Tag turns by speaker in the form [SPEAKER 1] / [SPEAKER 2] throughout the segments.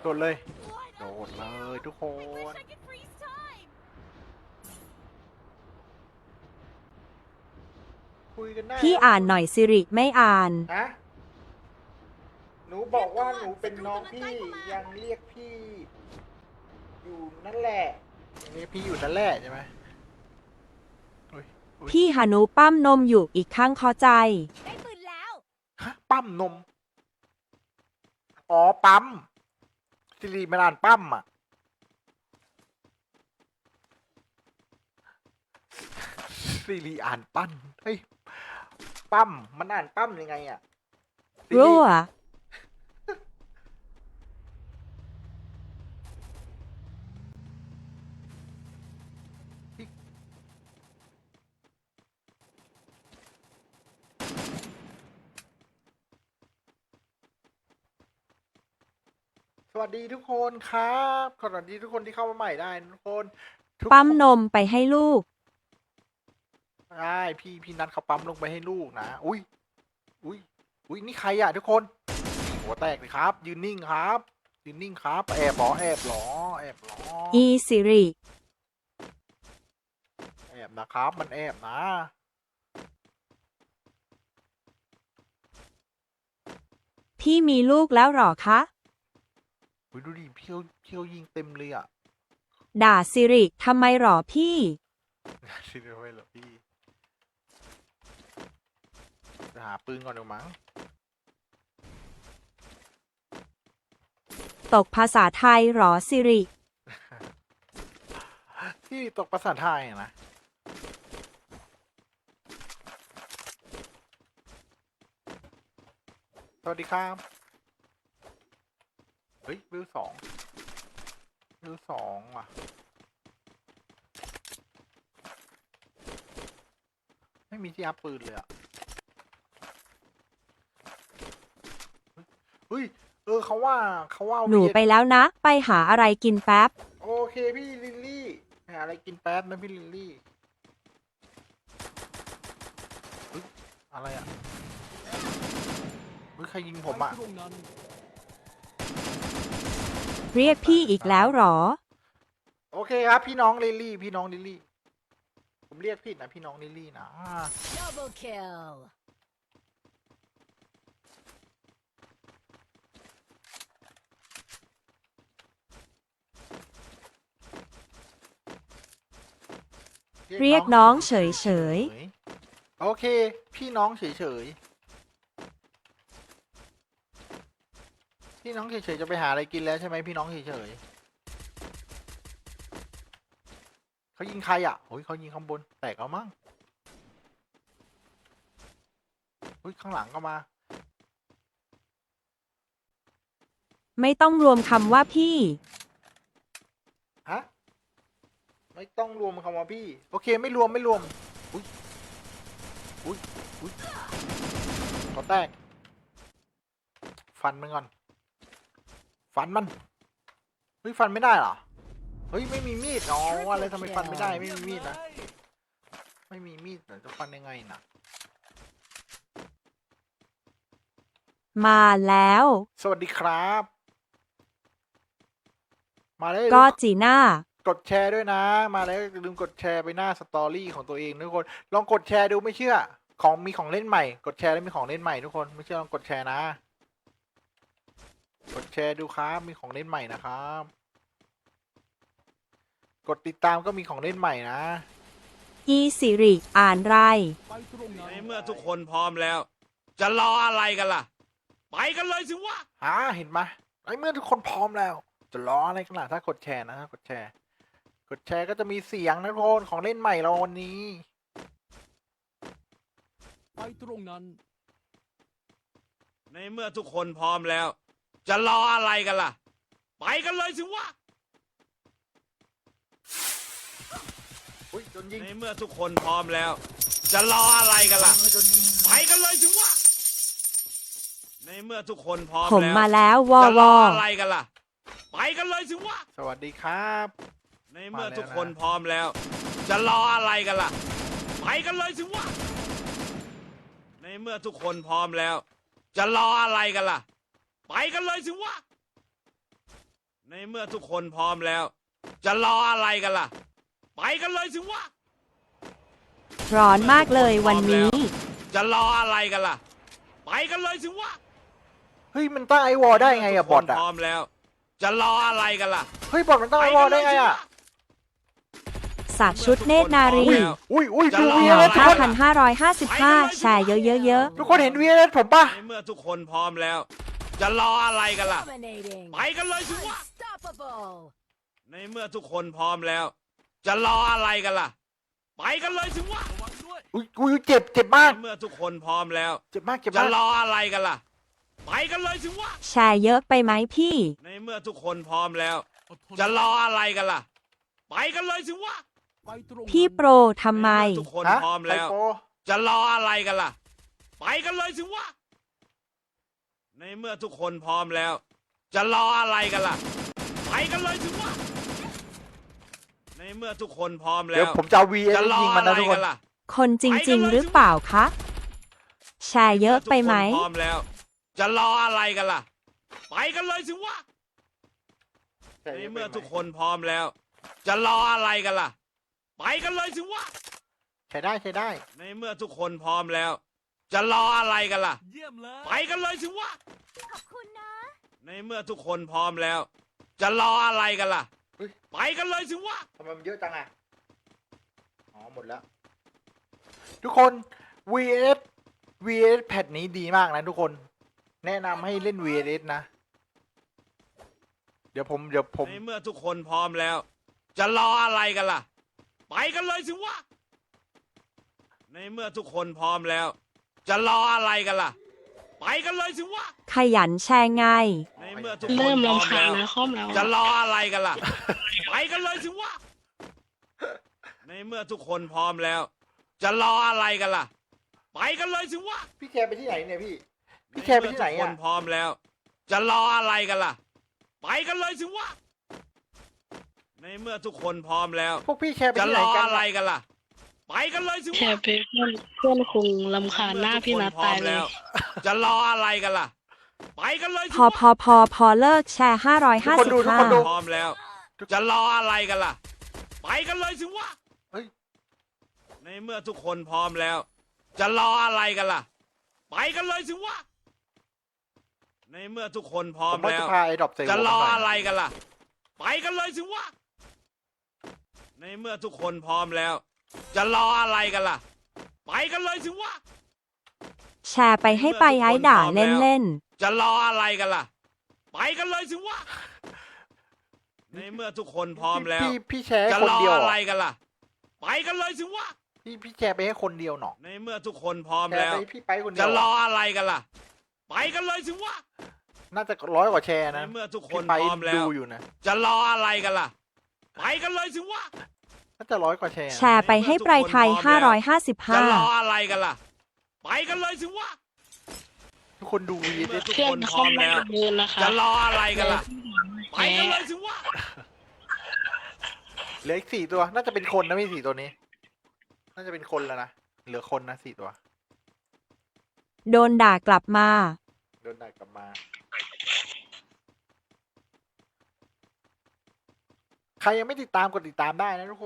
[SPEAKER 1] โดดเลยโดดเลยทุกคน คุยกันได้
[SPEAKER 2] พี่อ่านหน่อยสิริไม่อ่าน
[SPEAKER 1] ฮะหนูบอกว่าหนูเป็นน้องพี่ยังเรียกพี่อยู่นั่นแหละยังเรียกพี่อยู่นั่นแหละใช่ไหมอุ๊ยอุ๊ย
[SPEAKER 2] พี่หานุปั้มนมอยู่อีกข้างคอใจ
[SPEAKER 3] ได้ปืนแล้ว
[SPEAKER 1] ฮะปั้มนมอ๋อปั๊มสิริมันอ่านปั้มอ่ะสิริอ่านปั้นเฮ้ยปั้มมันอ่านปั้มยังไงอ่ะสิริ
[SPEAKER 2] รั่ว
[SPEAKER 1] สวัสดีทุกคนครับสวัสดีทุกคนที่เข้ามาใหม่ได้นะทุกคนทุก
[SPEAKER 2] ปั้ม
[SPEAKER 1] คน
[SPEAKER 2] นมไปให้ลูก
[SPEAKER 1] ได้พี่นัดเขาปั๊มลงไปให้ลูกนะอุ้ยอุ้ยนี่ใครอ่ะทุกคนหัวแตกเลยครับ ยืนนิ่งครับยืนนิ่งครับแอบหรอแอบหรอแอบหรอ
[SPEAKER 2] อีสิริ
[SPEAKER 1] แอบนะครับ มันแอบนะ
[SPEAKER 2] พี่มีลูกแล้วหรอคะ
[SPEAKER 1] อุ้ยดูดิเพียวยิงเต็มเลยอ่ะ
[SPEAKER 2] ด่าสิริทำไมหรอพี่
[SPEAKER 1] ชิบไปเหรอพี่จะหาปืนก่อนเดี๋ยวมั้ง
[SPEAKER 2] ตกภาษาไทยหรอสิริ
[SPEAKER 1] ที่ตกภาษาไทยอะนะสวัสดีครับเฮ้ยวิวสองว่ะไม่มีที่อัพปืนเลยอ่ะเฮ้ยเขาว่า
[SPEAKER 2] หนูไปแล้วนะ ไปหาอะไรกินแป๊บ
[SPEAKER 1] โอเคพี่ลิลลี่หาอะไรกินแป๊บนะพี่ลิลลี่เฮ้ยอะไรอ่ะเฮ้ยใครยิงผมอ่ะ
[SPEAKER 2] เรียกพี่อีกแล้วหรอ
[SPEAKER 1] โอเคครับพี่น้องลิลลี่ผมเรียกผิดนะพี่น้องลิลลี่นะ
[SPEAKER 3] Double kill
[SPEAKER 2] เรียกน้องเฉย
[SPEAKER 1] โอเค พี่น้องเฉยพี่น้องเฉยจะไปหาอะไรกินแล้วใช่ไหมพี่น้องเฉยเขายิงใครอ่ะโอ้ยเขายิงข้างบนแตกเอามั้งเฮ้ยข้างหลังก็มา
[SPEAKER 2] ไม่ต้องรวมคำว่าพี่
[SPEAKER 1] ฮะไม่ต้องรวมคำว่าพี่โอเคไม่รวมอุ้ยขอแตกฟันมันก่อนฟันมันเฮ้ยฟันไม่ได้เหรอเฮ้ยไม่มีมีดอ๋ออะไรทำไมฟันไม่ได้ไม่มีมีดนะไม่มีมีดจะฟันยังไงนะ
[SPEAKER 2] มาแล้ว
[SPEAKER 1] สวัสดีครับ มาเลย
[SPEAKER 2] ก็จีน่า
[SPEAKER 1] กดแชร์ด้วยนะ มาแล้วอย่าลืมกดแชร์ไปหน้าสตอรี่ของตัวเองทุกคนลองกดแชร์ดูไม่เชื่อมีของเล่นใหม่กดแชร์แล้วมีของเล่นใหม่ทุกคนไม่เชื่อลองกดแชร์นะกดแชร์ดูครับมีของเล่นใหม่นะครับกดติดตามก็มีของเล่นใหม่นะ
[SPEAKER 2] อีสิริอ่านไร
[SPEAKER 4] ในเมื่อทุกคนพร้อมแล้ว จะรออะไรกันล่ะ ไปกันเลยสิวะ
[SPEAKER 1] เห็นไหมไอ้เมื่อทุกคนพร้อมแล้ว จะรออะไรกันล่ะถ้ากดแชร์นะกดแชร์ก็จะมีเสียงนะทุกคนของเล่นใหม่เราวันนี้
[SPEAKER 5] ไปตรงนั้น
[SPEAKER 4] ในเมื่อทุกคนพร้อมแล้ว จะรออะไรกันล่ะ ไปกันเลยสิวะ
[SPEAKER 1] อุ้ยโดนยิง
[SPEAKER 4] ในเมื่อทุกคนพร้อมแล้ว จะรออะไรกันล่ะ
[SPEAKER 1] โดนยิง
[SPEAKER 4] ไปกันเลยสิวะ ในเมื่อทุกคนพร้อม
[SPEAKER 2] ผม
[SPEAKER 4] แล้ว
[SPEAKER 2] มาแล้ววอ
[SPEAKER 4] จะ
[SPEAKER 2] ว
[SPEAKER 4] รอ
[SPEAKER 2] อ
[SPEAKER 4] อะไรกันล่ะ ไปกันเลยสิวะ
[SPEAKER 1] สวัสดีครับ
[SPEAKER 4] ในเมื่อทุกคนพร้อมแล้ว จะรออะไรกันล่ะ ไปกันเลยสิวะ ในเมื่อทุกคนพร้อมแล้ว จะรออะไรกันล่ะ ไปกันเลยสิวะในเมื่อทุกคนพร้อมแล้ว จะรออะไรกันล่ะ ไปกันเลยสิวะ
[SPEAKER 2] ร้อนมากเลยวันนี้
[SPEAKER 4] จะรออะไรกันล่ะ ไปกันเลยสิวะ
[SPEAKER 1] เฮ้ยมันตั้งไอวอลได้ไงอะบอท
[SPEAKER 4] ทุกคน
[SPEAKER 1] อะ
[SPEAKER 4] พร้อมแล้ว จะรออะไรกันล่ะ
[SPEAKER 1] เฮ้ยบอทมันตั้งไอวอลได้ไงอะ
[SPEAKER 2] สักชุดเนตรนารี
[SPEAKER 1] อุ้ยดู
[SPEAKER 2] ห
[SPEAKER 1] วี
[SPEAKER 2] น่อ
[SPEAKER 1] เอสทุกคน
[SPEAKER 2] 5,555 แชร์เยอะ
[SPEAKER 1] ทุกคนเห็นวีเอสผมปะ
[SPEAKER 4] ในเมื่อทุกคนพร้อมแล้ว จะรออะไรกันล่ะ
[SPEAKER 3] Dominating.
[SPEAKER 4] ไปกันเลยสิวะ
[SPEAKER 3] Unstoppable.
[SPEAKER 4] ในเมื่อทุกคนพร้อมแล้ว จะรออะไรกันล่ะ ไปกันเลยสิวะ
[SPEAKER 5] ระวังด้วย
[SPEAKER 1] อุ้ยเจ็บมาก
[SPEAKER 4] ในเมื่อทุกคนพร้อมแล้ว
[SPEAKER 1] เจ็บมาก
[SPEAKER 4] จะรออะไรกันล่ะ ไปกันเลยสิวะ
[SPEAKER 2] ๆ แชร์เยอะไปไหมพี่
[SPEAKER 4] ในเมื่อทุกคนพร้อมแล้ว
[SPEAKER 5] อดทน
[SPEAKER 4] จะรออะไรกันล่ะ ไปกันเลยสิวะ
[SPEAKER 5] ไปตรงนั้น
[SPEAKER 2] พี่โปรทำไม
[SPEAKER 4] ในเมื่อทุกคน
[SPEAKER 1] ฮะ
[SPEAKER 4] พร้อม
[SPEAKER 1] ไซ
[SPEAKER 4] แล้ว
[SPEAKER 1] โป
[SPEAKER 4] จะรออะไรกันล่ะ ไปกันเลยสิวะ ในเมื่อทุกคนพร้อมแล้ว จะรออะไรกันล่ะ ไปกันเลยสิวะ ในเมื่อทุกคนพร้อมแล้
[SPEAKER 1] เดี๋ยว
[SPEAKER 4] ว
[SPEAKER 1] ผมจะเอาวีเอส
[SPEAKER 4] จะรอ
[SPEAKER 1] ยิงมัน
[SPEAKER 4] อะไร
[SPEAKER 1] นะทุกค
[SPEAKER 4] กัน นล่ะ
[SPEAKER 2] คนจริง ๆ หรือเปล่าคะ แชร์เยอะไปไหม
[SPEAKER 4] ทุกคนพร้อมแล้ว จะรออะไรกันล่ะ ไปกันเลยสิวะ ในเมื่อทุกคนพร้อมแล้ว จะรออะไรกันล่ะ ไปกันเลยสิวะ
[SPEAKER 1] ใช้ได้
[SPEAKER 4] ในเมื่อทุกคนพร้อมแล้ว จะรออะไรกันล่ะ
[SPEAKER 5] เยี่ยมเลย
[SPEAKER 4] ไปกันเลยสิวะ
[SPEAKER 3] ขอบคุณนะ
[SPEAKER 4] ในเมื่อทุกคนพร้อมแล้ว จะรออะไรกันล่ะ
[SPEAKER 1] เฮ้ย
[SPEAKER 4] ไปกันเลยสิวะ
[SPEAKER 1] ทำไมมันเยอะจังอะอ๋อหมดแล้ว ทุกคน VS แพทนี้ดีมากนะทุกคน แนะนำให้เล่น VS นะ เดี๋ยวผม
[SPEAKER 4] ในเมื่อทุกคนพร้อมแล้ว จะรออะไรกันล่ะ ไปกันเลยสิวะ ในเมื่อทุกคนพร้อมแล้ว จะรออะไรกันล่ะ ไปกันเลยสิวะ
[SPEAKER 2] ขยันแชร์ไง
[SPEAKER 4] ในเมื่อทุกคน
[SPEAKER 6] เริ่ม
[SPEAKER 4] พร้อม
[SPEAKER 6] รำคา
[SPEAKER 4] แล้
[SPEAKER 6] ญ
[SPEAKER 4] ว
[SPEAKER 6] นะคอมแล้ว
[SPEAKER 4] จะรออะไรกันล่ะ ไปกันเลยสิวะ ในเมื่อทุกคนพร้อมแล้ว จะรออะไรกันล่ะ ไปกันเลยสิวะ
[SPEAKER 1] พี่แคร์ไปที่ไหนเนี่ยพี่ พี่แคร์ไปที่ไหน
[SPEAKER 4] ในเมื่อทุกค
[SPEAKER 1] อะ
[SPEAKER 4] นพร้อมแล้ว จะรออะไรกันล่ะ ไปกันเลยสิวะ ในเมื่อทุกคนพร้อมแล้ว
[SPEAKER 1] พวกพี่แคร์ไป
[SPEAKER 4] จะ
[SPEAKER 1] ที่
[SPEAKER 4] ร
[SPEAKER 1] ไหน
[SPEAKER 4] อ
[SPEAKER 1] กัน
[SPEAKER 4] อะไรกันล่ะ ไปกันเลยสิ
[SPEAKER 6] แช
[SPEAKER 4] วะ
[SPEAKER 6] ร์ไปเพื่อนคงรำคาญหน้าพี่นัทตายเลย
[SPEAKER 4] จะรออะไรกันล่ะ ไปกันเลยสิ
[SPEAKER 2] พอ
[SPEAKER 4] วะ
[SPEAKER 2] พอเลิกแชร์
[SPEAKER 1] ทุกคนดู
[SPEAKER 2] 555
[SPEAKER 4] พร้อมแล้ว จะรออะไรกันล่ะ ไปกันเลยสิวะ
[SPEAKER 1] เฮ้ย
[SPEAKER 4] ในเมื่อทุกคนพร้อมแล้ว จะรออะไรกันล่ะ ไปกันเลยสิวะ ในเมื่อทุกคนพร้อ
[SPEAKER 1] ผม มว่า
[SPEAKER 4] แล้
[SPEAKER 1] จะ
[SPEAKER 4] ว
[SPEAKER 1] พาไอ้ดรอปเซล
[SPEAKER 4] จะรอ
[SPEAKER 1] มาหน่ย
[SPEAKER 4] อะไรกันล่ะ ไปกันเลยสิวะ ในเมื่อทุกคนพร้อมแล้ว จะรออะไรกันล่ะ ไปกันเลยสิวะ
[SPEAKER 2] แชร์ไปให้ไปไอ้ด่าเล่น
[SPEAKER 4] จะรออะไรกันล่ะ ไปกันเลยสิวะ ในเมื่อทุกคนพร้อมแล้ว
[SPEAKER 1] พี่แชร์ให้
[SPEAKER 4] จะ
[SPEAKER 1] คน
[SPEAKER 4] รอ
[SPEAKER 1] เดียว
[SPEAKER 4] อะไร
[SPEAKER 1] อะ
[SPEAKER 4] กันล่ะ ไปกันเลยสิวะ
[SPEAKER 1] พี่แชร์ไปให้คนเดียวหนอ
[SPEAKER 4] ในเมื่อทุกคนพร้อม
[SPEAKER 1] แชร์
[SPEAKER 4] แล้ว
[SPEAKER 1] ไปพี่ไปคนเดี
[SPEAKER 4] จะ
[SPEAKER 1] ยว
[SPEAKER 4] รออะไรกันล่ะ ไปกันเลยสิวะ
[SPEAKER 1] น่าจะ100 กว่าแชร์
[SPEAKER 4] ใน
[SPEAKER 1] นะ
[SPEAKER 4] เมื่อทุกค
[SPEAKER 1] พี่
[SPEAKER 4] น
[SPEAKER 1] ไป
[SPEAKER 4] พร้อมแล้
[SPEAKER 1] ดู
[SPEAKER 4] ว
[SPEAKER 1] อยู่นะ
[SPEAKER 4] จะรออะไรกันล่ะ ไปกันเลยสิวะ
[SPEAKER 1] น่าจะ100 กว่าแชร์
[SPEAKER 2] ๆ
[SPEAKER 1] นะ
[SPEAKER 2] แชร์ไปให้ไปไทย
[SPEAKER 4] จะรอ
[SPEAKER 2] 555
[SPEAKER 4] อะไรกันล่ะ ไปกันเลยสิวะ
[SPEAKER 1] ทุกคนดูวี
[SPEAKER 4] เมื่อ
[SPEAKER 1] เอส
[SPEAKER 4] ทุก
[SPEAKER 6] เพื่อ
[SPEAKER 4] คน น
[SPEAKER 6] ค
[SPEAKER 4] พร้
[SPEAKER 6] อ
[SPEAKER 4] อ
[SPEAKER 6] ม
[SPEAKER 4] ม
[SPEAKER 6] แล้
[SPEAKER 4] แล้ว ว
[SPEAKER 6] เดินนะคะ
[SPEAKER 4] จะรออะไรกันล่ะ ไป
[SPEAKER 6] แพ้
[SPEAKER 4] กันเลยสิวะ
[SPEAKER 1] เหลืออีก4 ตัว น่าจะเป็นคนนะพี่4 ตัวนี้ น่าจะเป็นคนแล้วนะ เหลือคนนะ4 ตัว
[SPEAKER 2] โดนด่ากลับมา
[SPEAKER 1] โดนได้กลับมา ใครยังไม่ติดตามกดติดตามได้นะทุกคน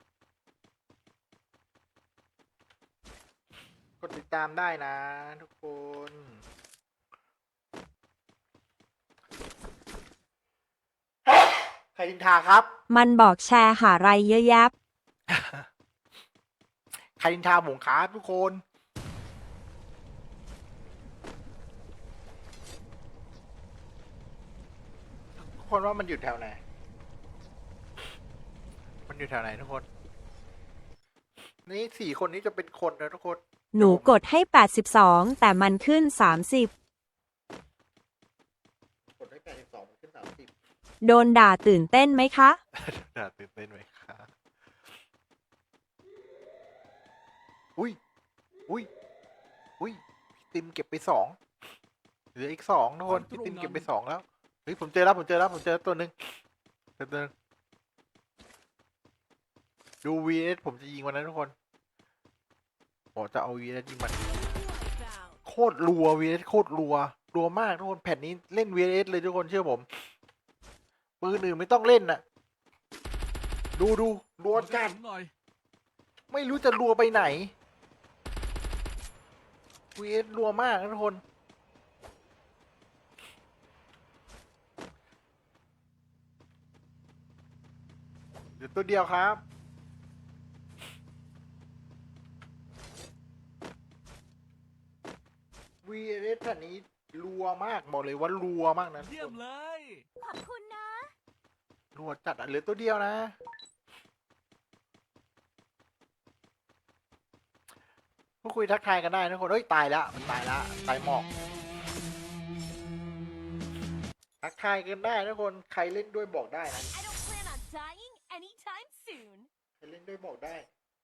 [SPEAKER 1] กดติดตามได้นะทุกคน ใครดินทาครับ
[SPEAKER 2] มันบอกแชร์หาไรเยอะแยะ
[SPEAKER 1] ใครดินทาหมงครับทุกคน ทุกคนว่ามันอยู่แถวไหน มันอยู่แถวไหนทุกคน นี่4 คนนี้จะเป็นคนนะทุกคน
[SPEAKER 2] หนูกดให้ 82 แต่มันขึ้น 30
[SPEAKER 1] กดได้82มันขึ้น30
[SPEAKER 2] โดนด่าตื่นเต้นไหมคะ
[SPEAKER 1] น่าตื่นเต้นไหมครับอุ้ยพี่ติมเก็บไป2เหลืออีก2ทุกคนพี่ติมเก็บไป2แล้วเฮ้ยผมเจอตัวหนึ่งตัวหนึ่งดู VS ผมจะยิงวันนั้นทุกคนผมจะเอา VS ยิงมันโคตรรัว VS โคตรรัวมากทุกคนแผ่นนี้เล่น VS เลยทุกคนเชื่อผมปืนอื่นไม่ต้องเล่นน่ะ ดูรัวจัด
[SPEAKER 5] หน่อย
[SPEAKER 1] ไม่รู้จะรัวไปไหน VS รัวมากนะทุกคน เดี๋ยวตัวเดียวครับ VS แผ่นนี้รัวมากบอกเลยว่ารัวมากนะทุก
[SPEAKER 5] เยี่ย
[SPEAKER 1] ค
[SPEAKER 5] ม
[SPEAKER 1] น
[SPEAKER 5] เลย
[SPEAKER 3] ขอบคุณนะ
[SPEAKER 1] รัวจัดอ่ะเหลือตัวเดียวนะพูดคุยทักทายกันได้นะทุกคนเฮ้ยตายแล้วมันตายแล้วตายหมอกทักทายกันได้นะทุกคนใครเล่นด้วยบอกได้นะ
[SPEAKER 3] I don't plan on dying anytime soon
[SPEAKER 1] ใครเล่นด้วยบอกได้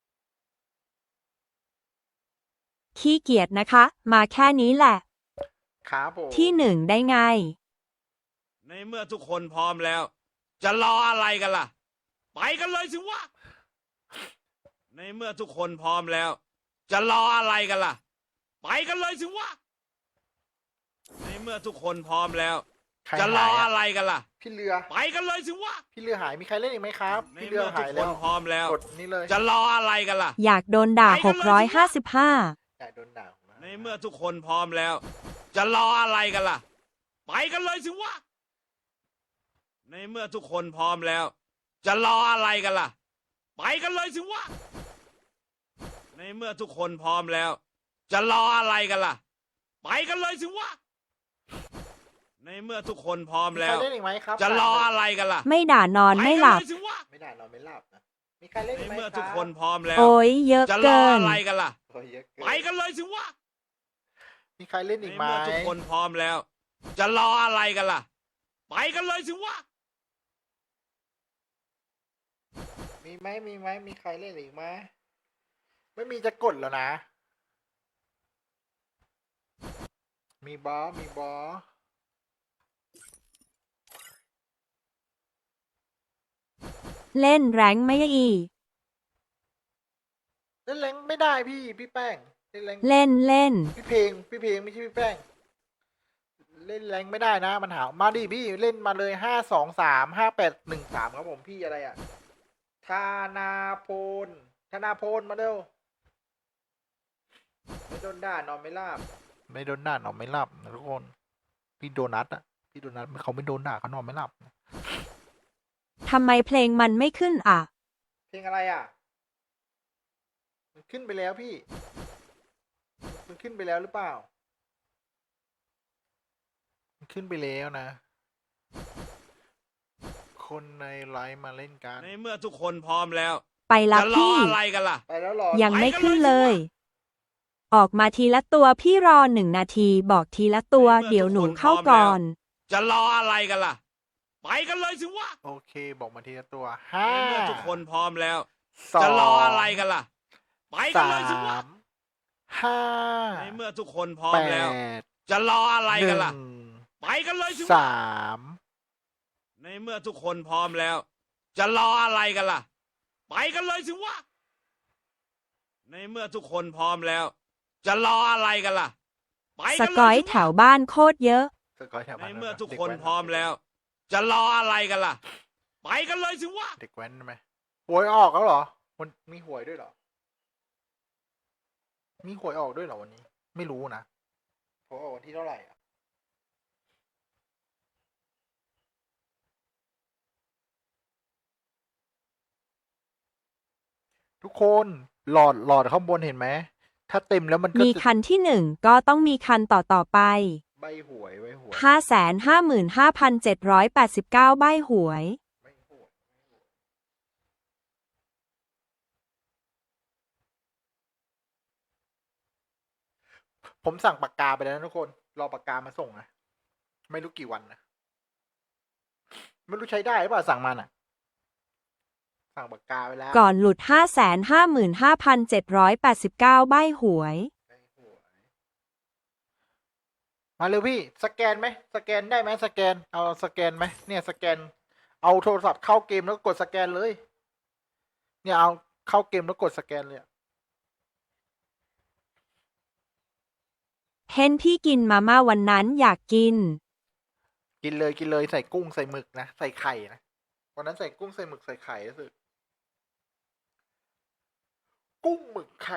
[SPEAKER 2] ขี้เกียจนะคะ มาแค่นี้แหละ
[SPEAKER 1] ครับผม
[SPEAKER 2] ที่หนึ่งได้ไง
[SPEAKER 4] ในเมื่อทุกคนพร้อมแล้ว จะรออะไรกันล่ะ ไปกันเลยสิวะ ในเมื่อทุกคนพร้อมแล้ว จะรออะไรกันล่ะ ไปกันเลยสิวะ ในเมื่อทุกคนพร้อมแล้ว
[SPEAKER 1] ใคร
[SPEAKER 4] จะรอ
[SPEAKER 1] หาย
[SPEAKER 4] อะไรกันล่ะ
[SPEAKER 1] พี่เรือ
[SPEAKER 4] ไปกันเลยสิวะ
[SPEAKER 1] พี่เรือหายมีใครเล่นอีกไหมครับ
[SPEAKER 4] ใน
[SPEAKER 1] พี่เรือ
[SPEAKER 4] เมื่อทุ
[SPEAKER 1] หาก ย
[SPEAKER 4] ค
[SPEAKER 1] แล้
[SPEAKER 4] น
[SPEAKER 1] ว
[SPEAKER 4] พร้อมแล้ว
[SPEAKER 1] กดนี่เลย
[SPEAKER 4] จะรออะไรกันล่ะ
[SPEAKER 2] อยากโดนด่า
[SPEAKER 4] ไปกันเลย
[SPEAKER 2] 655
[SPEAKER 1] แต่โดนด่าผมนะ
[SPEAKER 4] ในเมื่อทุกคนพร้อมแล้ว จะรออะไรกันล่ะ ไปกันเลยสิวะ ในเมื่อทุกคนพร้อมแล้ว จะรออะไรกันล่ะ ไปกันเลยสิวะ ในเมื่อทุกคนพร้อมแล้ว จะรออะไรกันล่ะ ไปกันเลยสิวะ ในเมื่อทุกคนพร้อม
[SPEAKER 1] มี
[SPEAKER 4] แล้
[SPEAKER 1] ใคร
[SPEAKER 4] ว
[SPEAKER 1] เล่นอีกไหมครับ
[SPEAKER 4] จะรออะไรกันล่ะ
[SPEAKER 2] ไม่ด่านอนไม่หลับ
[SPEAKER 4] ปกันเลยสิวะ
[SPEAKER 1] ไม่ได้นอนไม่หลับนะมีใครเล่น
[SPEAKER 4] ใน
[SPEAKER 1] อีกไหม
[SPEAKER 4] เมื่อ
[SPEAKER 1] ครับ
[SPEAKER 4] ทุกคนพร้อมแล้ว
[SPEAKER 2] โอ้ยเยอะ
[SPEAKER 4] จะรอ
[SPEAKER 2] เกิน
[SPEAKER 4] อะไรกันล่ะ
[SPEAKER 1] โอ้ยเยอะเกิน
[SPEAKER 4] ไปกันเลยสิวะ
[SPEAKER 1] มีใครเล่น
[SPEAKER 4] ใน
[SPEAKER 1] อีกไหม
[SPEAKER 4] เมื่อทุกคนพร้อมแล้ว จะรออะไรกันล่ะ ไปกันเลยสิวะ
[SPEAKER 1] มีไหมมีใครเล่นอีกไหมไม่มีจะกดแล้วนะ มีบอส
[SPEAKER 2] เล่นแรงไม่อี
[SPEAKER 1] เล่นแรงไม่ได้พี่แป้งเล่นแรง
[SPEAKER 2] เล่น
[SPEAKER 1] พี่เพลงไม่ใช่พี่แป้ง เล่นแรงไม่ได้นะมันหามาดิพี่เล่นมาเลย5235813ครับผมพี่อะไรอ่ะธนาพลมาเร็วไม่โดนด่านอนไม่หลับไม่โดนด่านอนไม่หลับนะทุกคนพี่โดนัทอ่ะพี่โดนัทเขาไม่โดนด่าเขานอนไม่หลับ
[SPEAKER 2] ทำไมเพลงมันไม่ขึ้นอ่ะ
[SPEAKER 1] เพลงอะไรอ่ะมันขึ้นไปแล้วพี่มันขึ้นไปแล้วหรือเปล่ามันขึ้นไปแล้วนะ คนในไลฟ์มาเล่นกัน
[SPEAKER 4] ในเมื่อทุกคนพร้อมแล้ว
[SPEAKER 2] ไปรับ
[SPEAKER 4] จะรอ
[SPEAKER 2] พี่
[SPEAKER 4] อะไรกันล่ะ
[SPEAKER 1] ไปแล้วหรอ
[SPEAKER 2] ยังไม่
[SPEAKER 4] ไปกัน
[SPEAKER 2] ขึ้น
[SPEAKER 4] เลย
[SPEAKER 2] เล
[SPEAKER 4] สิ
[SPEAKER 2] ย
[SPEAKER 4] วะ
[SPEAKER 2] ออกมาทีละตัวพี่รอ1 นาทีบอกทีละตัว
[SPEAKER 4] ในเมื่อ
[SPEAKER 2] เดี๋ยวหนู
[SPEAKER 4] ทุกคน
[SPEAKER 2] เข้า
[SPEAKER 4] พร้อมแล้ว
[SPEAKER 2] ก่อน
[SPEAKER 4] จะรออะไรกันล่ะ ไปกันเลยสิวะ
[SPEAKER 1] โอเคบอกมาทีละตัว
[SPEAKER 4] ในเมื่อทุกคนพร้อมแล้ว
[SPEAKER 1] สอง
[SPEAKER 4] จะรออะไรกันล่ะ ไปกันเลยสิวะ
[SPEAKER 1] 5
[SPEAKER 4] ในเมื่อทุกคนพร้อม
[SPEAKER 1] แป
[SPEAKER 4] แล้ว
[SPEAKER 1] ด
[SPEAKER 4] จะรออะไร
[SPEAKER 1] ห
[SPEAKER 4] กัน
[SPEAKER 1] นึ่
[SPEAKER 4] ล่ะ
[SPEAKER 1] ง
[SPEAKER 4] ไปกันเลยสิวะ
[SPEAKER 1] สาม
[SPEAKER 4] ในเมื่อทุกคนพร้อมแล้ว จะรออะไรกันล่ะ ไปกันเลยสิวะ ในเมื่อทุกคนพร้อมแล้ว จะรออะไรกันล่ะ ไป
[SPEAKER 2] ส
[SPEAKER 4] กันเล
[SPEAKER 2] กอย
[SPEAKER 4] ยสิ
[SPEAKER 2] แถ
[SPEAKER 4] วะ
[SPEAKER 2] วบ้านโคตรเยอะ
[SPEAKER 1] สกอยแถว
[SPEAKER 4] ใน
[SPEAKER 1] บ้าน
[SPEAKER 4] เมื่อทุก
[SPEAKER 1] ด็
[SPEAKER 4] คน
[SPEAKER 1] แว้
[SPEAKER 4] พร้อมแล้ว จะรออะไรกันล่ะ ไปกันเลยสิวะ
[SPEAKER 1] เด็กแว้นใช่ไหมหวยออกแล้วเหรอมันมีหวยด้วยเหรอ มีหวยออกด้วยเหรอวันนี้ ไม่รู้นะหวยออกวันที่เท่าไหร่อ่ะทุกคนหลอดข้างบนเห็นไหมถ้าเต็มแล้วมันก็
[SPEAKER 2] มี
[SPEAKER 1] จะ
[SPEAKER 2] คันที่ 1 ก็ต้องมีคันต่อไป
[SPEAKER 1] ใบหวยใบหวย
[SPEAKER 2] 555,789 ใบหวย
[SPEAKER 1] ใบหวยผมสั่งปากกาไปแล้วนะทุกคน รอปากกามาส่งนะไม่รู้กี่วันนะไม่รู้ใช้ได้หรือเปล่าสั่งมาน่ะ สั่งปากกาไปแล้ว
[SPEAKER 2] ก่อนหลุด 555,789 ใบหวย
[SPEAKER 1] ใบหวยมาเร็วพี่ สแกนไหมสแกนได้ไหมสแกนเอาสแกนไหมเนี่ยสแกน เอาโทรศัพท์เข้าเกมแล้วกดสแกนเลย เนี่ยเอาเข้าเกมแล้วกดสแกนเลยอะ
[SPEAKER 2] เห็นพี่กินมาม่าวันนั้นอยากกิน
[SPEAKER 1] กินเลยกินเลยใส่กุ้งใส่หมึกนะใส่ไข่นะวันนั้นใส่กุ้งใส่หมึกใส่ไข่รู้สึกกุ้งหมึกไข่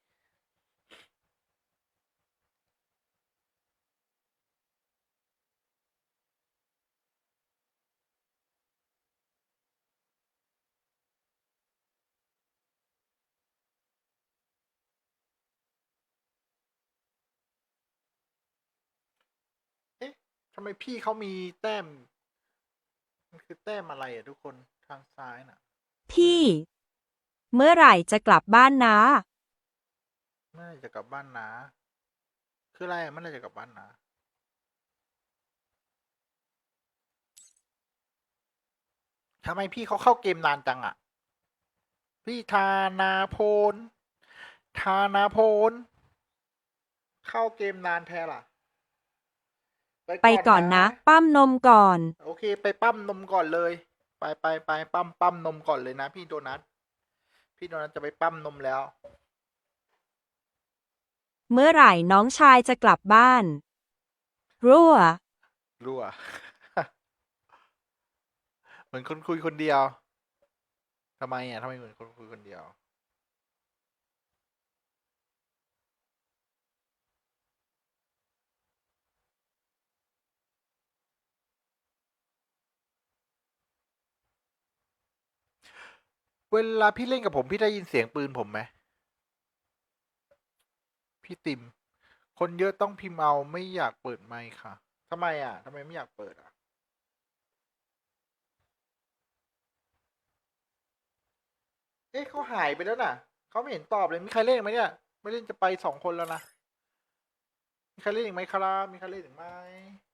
[SPEAKER 1] เอ๊ะทำไมพี่เขามีแต้ม มันคือแต้มอะไรอ่ะทุกคนทางซ้ายน่ะ
[SPEAKER 2] พี่ เมื่อไหร่จะกลับบ้านนะ
[SPEAKER 1] เมื่อไหร่จะกลับบ้านนะคืออะไรอะเมื่อไหร่จะกลับบ้านนะทำไมพี่เขาเข้าเกมนานจังอ่ะ พี่ธานาพลธานาพลเข้าเกมนานแท้ล่ะ
[SPEAKER 2] ไปก่อนนะ ปั้มนมก่อน
[SPEAKER 1] โอเค ไปปั้มนมก่อนเลย ไปปั้มนมก่อนเลยนะพี่โดนัท พี่โดนัทจะไปปั้มนมแล้ว
[SPEAKER 2] เมื่อไหร่น้องชายจะกลับบ้าน รั่ว
[SPEAKER 1] รั่ว เหมือนคนคุยคนเดียวทำไมอ่ะทำไมเหมือนคนคุยคนเดียว เวลาพี่เล่นกับผมพี่ได้ยินเสียงปืนผมไหมพี่ติม คนเยอะต้องพิมพ์เอาไม่อยากเปิดไมค์ค่ะทำไมอ่ะทำไมไม่อยากเปิดอ่ะ เอ๊ะเขาหายไปแล้วน่ะเขาไม่เห็นตอบเลยมีใครเล่นอีกไหมเนี่ยไม่เล่นจะไป2 คนแล้วนะมีใครเล่นอีกไหมครับมีใครเล่นอีกไหม